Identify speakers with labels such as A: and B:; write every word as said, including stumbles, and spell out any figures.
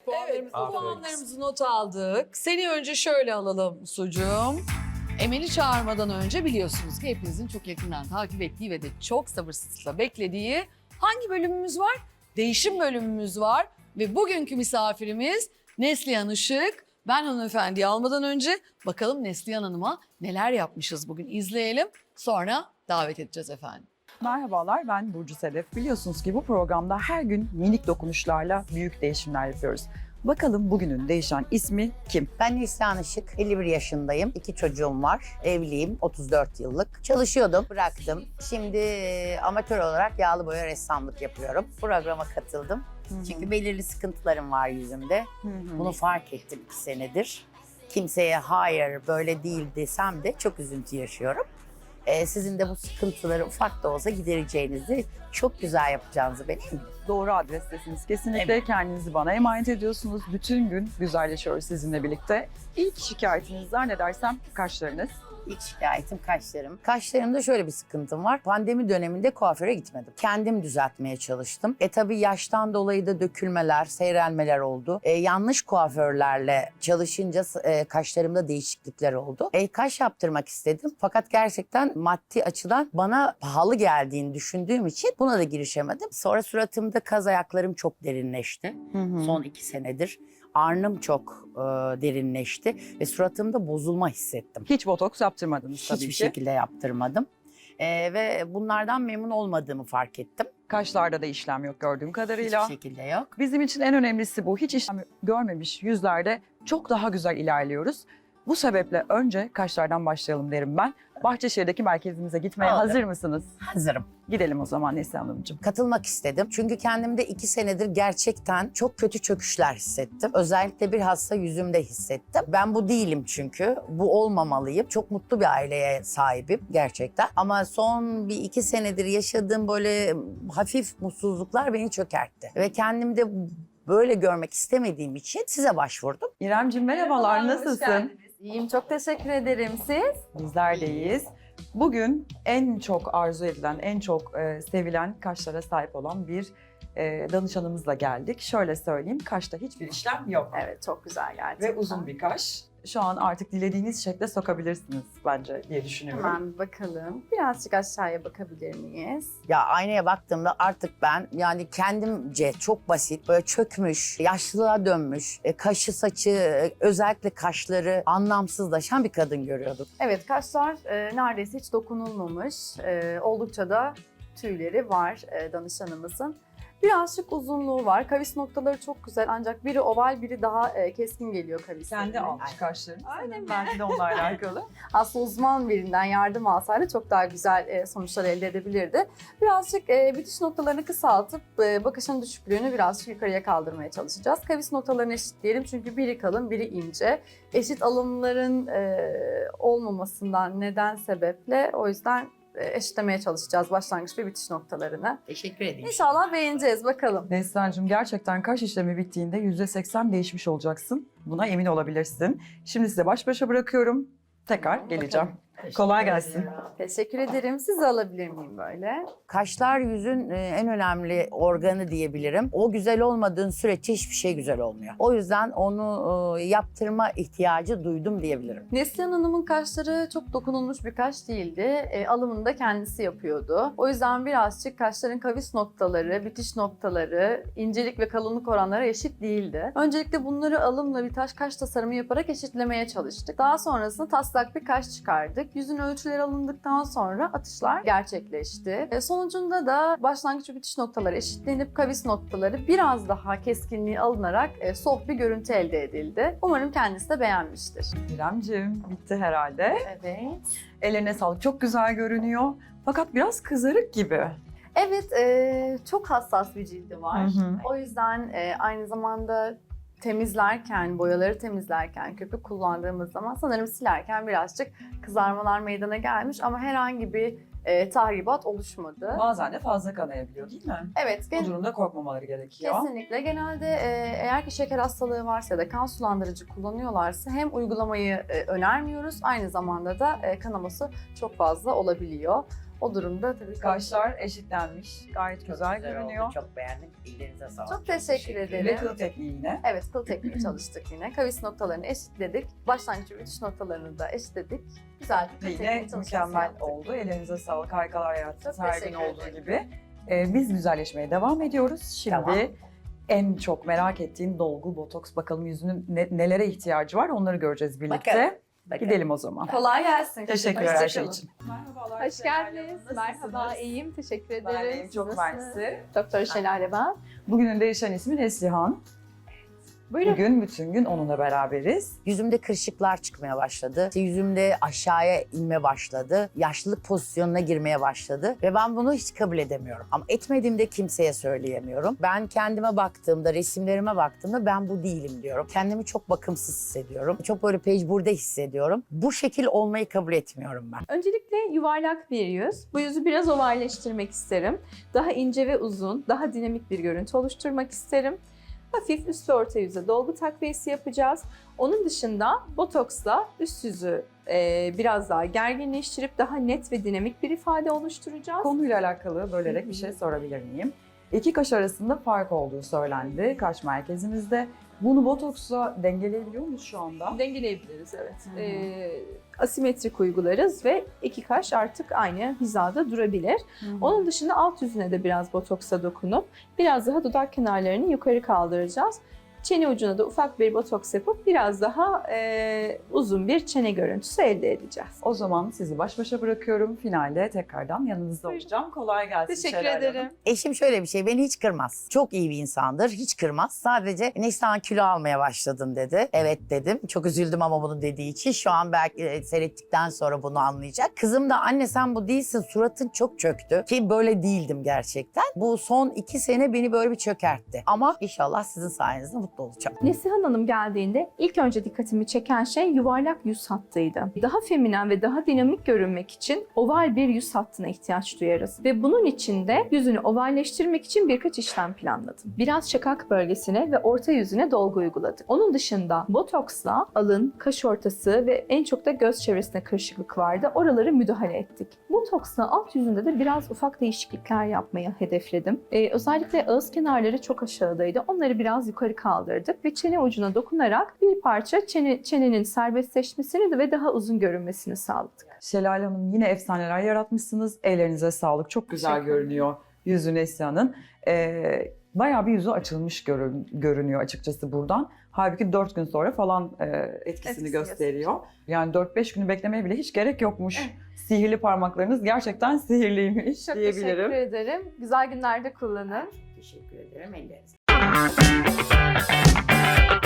A: Puanlarımızı
B: Evet,
A: not
B: puanlarımızı not aldık. Seni önce şöyle alalım Sucuğum. Emel'i çağırmadan önce biliyorsunuz ki hepinizin çok yakından takip ettiği ve de çok sabırsızlıkla beklediği hangi bölümümüz var? Değişim bölümümüz var ve bugünkü misafirimiz Neslihan Işık. Ben hanımefendiyi almadan önce bakalım Neslihan Hanım'a neler yapmışız bugün izleyelim. Sonra davet edeceğiz efendim.
A: Merhabalar, ben Burcu Sedef. Biliyorsunuz ki bu programda her gün minik dokunuşlarla büyük değişimler yapıyoruz. Bakalım bugünün değişen ismi kim?
C: Ben Neslihan Işık, elli bir yaşındayım. İki çocuğum var. Evliyim, otuz dört yıllık. Çalışıyordum, bıraktım. Şimdi e, amatör olarak yağlı boya ressamlık yapıyorum. Programa katıldım.
A: Hı-hı.
C: Çünkü belirli sıkıntılarım var yüzümde.
A: Hı-hı.
C: Bunu fark ettim iki senedir. Kimseye hayır böyle değil desem de çok üzüntü yaşıyorum. Ee, sizin de bu sıkıntıları ufak da olsa gidereceğinizi, çok güzel yapacağınızı ben eminim.
A: Doğru adrestesiniz. Kesinlikle
C: Evet.
A: kendinizi bana emanet ediyorsunuz. Bütün gün güzelleşiyoruz sizinle birlikte. İlk şikayetiniz zannedersem kaşlarınız.
C: İlk şikayetim kaşlarım. Kaşlarımda şöyle bir sıkıntım var. Pandemi döneminde kuaföre gitmedim. Kendim düzeltmeye çalıştım. E tabii yaştan dolayı da dökülmeler, seyrelmeler oldu. E, yanlış kuaförlerle çalışınca e, kaşlarımda değişiklikler oldu. E, kaş yaptırmak istedim. Fakat gerçekten maddi açıdan bana pahalı geldiğini düşündüğüm için buna da girişemedim. Sonra suratımda kaz ayaklarım çok derinleşti.
A: Hı-hı.
C: Son iki senedir. Arnım çok e, derinleşti ve suratımda bozulma hissettim.
A: Hiç botoks yaptırmadınız tabii
C: Hiçbir
A: ki.
C: şekilde yaptırmadım. Ee, ve bunlardan memnun olmadığımı fark ettim.
A: Kaşlarda da işlem yok gördüğüm kadarıyla.
C: Hiçbir şekilde yok.
A: Bizim için en önemlisi bu. Hiç işlem görmemiş yüzlerde çok daha güzel ilerliyoruz. Bu sebeple önce kaşlardan başlayalım derim ben. Bahçeşehir'deki merkezimize gitmeye
C: Olur.
A: hazır mısınız?
C: Hazırım.
A: Gidelim o zaman Neslihan Hanımcığım.
C: Katılmak istedim. Çünkü kendimde iki senedir gerçekten çok kötü çöküşler hissettim. Özellikle bir hasta yüzümde hissettim. Ben bu değilim çünkü. Bu olmamalıyım. Çok mutlu bir aileye sahibim gerçekten. Ama son bir iki senedir yaşadığım böyle hafif mutsuzluklar beni çökertti. Ve kendimde böyle görmek istemediğim için size başvurdum.
A: İremciğim merhabalar, nasılsın?
D: İyiyim, çok teşekkür ederim. Siz?
A: Bizler deyiz. Bugün en çok arzu edilen, en çok e, sevilen kaşlara sahip olan bir e, danışanımızla geldik. Şöyle söyleyeyim, kaşta hiçbir işlem yok.
D: Evet, çok güzel gerçekten.
A: Ve uzun bir kaş. Şu an artık dilediğiniz şekle sokabilirsiniz bence diye düşünüyorum.
D: Hemen bir bakalım. Birazcık aşağıya bakabilir miyiz?
C: Ya aynaya baktığımda artık ben yani kendimce çok basit, böyle çökmüş, yaşlılığa dönmüş, e, kaşı saçı, e, özellikle kaşları anlamsızlaşan bir kadın görüyordum.
D: Evet, kaşlar e, neredeyse hiç dokunulmamış. E, oldukça da tüyleri var e, danışanımızın. Birazcık uzunluğu var. Kavis noktaları çok güzel ancak biri oval, biri daha e, keskin geliyor kavislerine.
A: Kendi almış kaşlarını.
D: Öyle mi?
A: Belki de onunla alakalı.
D: Aslında uzman birinden yardım alsaydı çok daha güzel e, sonuçlar elde edebilirdi. Birazcık e, bitiş noktalarını kısaltıp e, bakışın düşüklüğünü birazcık yukarıya kaldırmaya çalışacağız. Kavis noktalarını eşitleyelim çünkü biri kalın, biri ince. Eşit alımların e, olmamasından neden sebeple o yüzden e, eşitlemeye çalışacağız başlangıç ve bitiş noktalarını.
C: Teşekkür ederim.
D: İnşallah beğeneceğiz bakalım.
A: Neslihan'cığım gerçekten kaş işlemi bittiğinde yüzde seksen değişmiş olacaksın. Buna emin olabilirsin. Şimdi size baş başa bırakıyorum. Tekrar geleceğim. Kolay gelsin.
D: Teşekkür ederim. Sizi alabilir miyim böyle?
C: Kaşlar yüzün e, en önemli organı diyebilirim. O güzel olmadığın sürece hiçbir şey güzel olmuyor. O yüzden onu e, yaptırma ihtiyacı duydum diyebilirim.
D: Neslihan Hanım'ın kaşları çok dokunulmuş bir kaş değildi. E, alımını da kendisi yapıyordu. O yüzden birazcık kaşların kavis noktaları, bitiş noktaları, incelik ve kalınlık oranları eşit değildi. Öncelikle bunları alımla bir taş kaş tasarımı yaparak eşitlemeye çalıştık. Daha sonrasında taslak bir kaş çıkardık. Yüzün ölçüleri alındıktan sonra atışlar gerçekleşti. E, sonucunda da başlangıç ve bitiş noktaları eşitlenip kavis noktaları biraz daha keskinliği alınarak e, soft bir görüntü elde edildi. Umarım kendisi de beğenmiştir.
A: İremciğim bitti herhalde.
D: Evet.
A: Ellerine sağlık. Çok güzel görünüyor. Fakat biraz kızarık gibi.
D: Evet, e, çok hassas bir cildi var.
A: Hı hı.
D: O yüzden e, aynı zamanda temizlerken, boyaları temizlerken, köpük kullandığımız zaman sanırım silerken birazcık kızarmalar meydana gelmiş ama herhangi bir e, tahribat oluşmadı.
A: Bazen de fazla kanayabiliyor değil mi?
D: Evet,
A: Bu
D: gen-
A: durumda korkmamaları gerekiyor.
D: kesinlikle. Genelde e, eğer ki şeker hastalığı varsa ya da kan sulandırıcı kullanıyorlarsa hem uygulamayı e, önermiyoruz, aynı zamanda da e, kanaması çok fazla olabiliyor. O durumda tabii
A: Kaşlar eşitlenmiş. Gayet
C: Çok
A: güzel, görünüyor.
C: oldu, çok beğendim. Ellerinize sağlık.
D: Çok teşekkür
A: Ve
D: ederim.
A: kıl tekniği yine.
D: Evet, kıl tekniği çalıştık yine. Kavis noktalarını eşitledik. Başlangıç ve bitiş noktalarını da eşitledik. Güzel bir kıl
A: Ve yine
D: tekniği çalışması
A: mükemmel
D: yaptık.
A: oldu. Ellerinize sağlık, harikalar yarattınız
D: Çok
A: her gün
D: teşekkür
A: olduğu
D: ederim.
A: gibi. Ee, biz güzelleşmeye devam ediyoruz. Şimdi
C: Tamam.
A: en çok merak ettiğim dolgu, botoks. Bakalım yüzünün ne- nelere ihtiyacı var onları göreceğiz birlikte.
C: Bakalım. Bakın.
A: Gidelim o zaman.
D: Kolay gelsin.
A: Teşekkürler her şey
D: Hoşçakalın.
A: için. Merhabalar.
D: Hoş geldiniz. Merhaba, iyiyim. Teşekkür ederim.
A: Ben de çok
D: Siz
A: mersi.
D: nasılsınız? Doktor Şelale ben.
A: Bugünün değişen ismi Neslihan.
D: Buyurun.
A: Bugün bütün gün onunla beraberiz.
C: Yüzümde kırışıklar çıkmaya başladı. İşte yüzümde aşağıya inme başladı. Yaşlılık pozisyonuna girmeye başladı. Ve ben bunu hiç kabul edemiyorum. Ama etmediğimde kimseye söyleyemiyorum. Ben kendime baktığımda, resimlerime baktığımda ben bu değilim diyorum. Kendimi çok bakımsız hissediyorum. Çok böyle pecburde hissediyorum. Bu şekil olmayı kabul etmiyorum ben.
E: Öncelikle yuvarlak bir yüz. Bu yüzü biraz ovalleştirmek isterim. Daha ince ve uzun, daha dinamik bir görüntü oluşturmak isterim. Hafif üst ve orta yüze dolgu takviyesi yapacağız. Onun dışında botoksla üst yüzü e, biraz daha gerginleştirip daha net ve dinamik bir ifade oluşturacağız.
A: Konuyla alakalı bölerek bir şey sorabilir miyim? İki kaş arasında fark olduğu söylendi kaş merkezimizde. Bunu botoksla dengeleyebiliyor muyuz şu anda?
E: Dengeleyebiliriz, evet.
A: Hı hı.
E: E, asimetrik uygularız ve iki kaş artık aynı hizada durabilir. Onun dışında alt yüzüne de biraz botoksa dokunup biraz daha dudak kenarlarını yukarı kaldıracağız. Çene ucuna da ufak bir botoks yapıp biraz daha e, uzun bir çene görüntüsü elde edeceğiz.
A: O zaman sizi baş başa bırakıyorum. Finalde tekrardan yanınızda
E: Buyurun.
A: olacağım. Kolay gelsin
E: Teşekkür
A: Şelale Hanım.
E: ederim.
C: Eşim şöyle bir şey, beni hiç kırmaz. Çok iyi bir insandır, hiç kırmaz. Sadece Neslihan kilo almaya başladın dedi. Evet dedim. Çok üzüldüm ama bunu dediği için. Şu an belki e, seyrettikten sonra bunu anlayacak. Kızım da anne sen bu değilsin, suratın çok çöktü. Ki böyle değildim gerçekten. Bu son iki sene beni böyle bir çökertti. Ama inşallah sizin sayenizde mutlu olacağım.
E: Neslihan Hanım geldiğinde ilk önce dikkatimi çeken şey yuvarlak yüz hattıydı. Daha feminen ve daha dinamik görünmek için oval bir yüz hattına ihtiyaç duyarız. Ve bunun için de yüzünü ovalleştirmek için birkaç işlem planladım. Biraz şakak bölgesine ve orta yüzüne dolgu uyguladık. Onun dışında botoksla alın, kaş ortası ve en çok da göz çevresine kırışıklık vardı. Oraları müdahale ettik. Botoksla alt yüzünde de biraz ufak değişiklikler yapmayı hedefledim. Ee, özellikle ağız kenarları çok aşağıdaydı. Onları biraz yukarı kaldırdık ve çene ucuna dokunarak bir parça çene, çenenin serbestleşmesini de ve daha uzun görünmesini sağladık.
A: Şelale Hanım yine efsaneler yaratmışsınız. Ellerinize sağlık. Çok güzel
E: Teşekkür ederim.
A: görünüyor yüzü Neslihan'ın. Ee, bayağı bir yüzü açılmış görün- görünüyor açıkçası buradan. Halbuki dört gün sonra falan e, etkisini
D: Etkisini
A: gösteriyor. Yani dört beş günü beklemeye bile hiç gerek yokmuş. Sihirli parmaklarınız gerçekten sihirliymiş
D: Çok
A: diyebilirim.
D: teşekkür ederim. Güzel günlerde kullanın.
C: Teşekkür ederim. Ellerinize.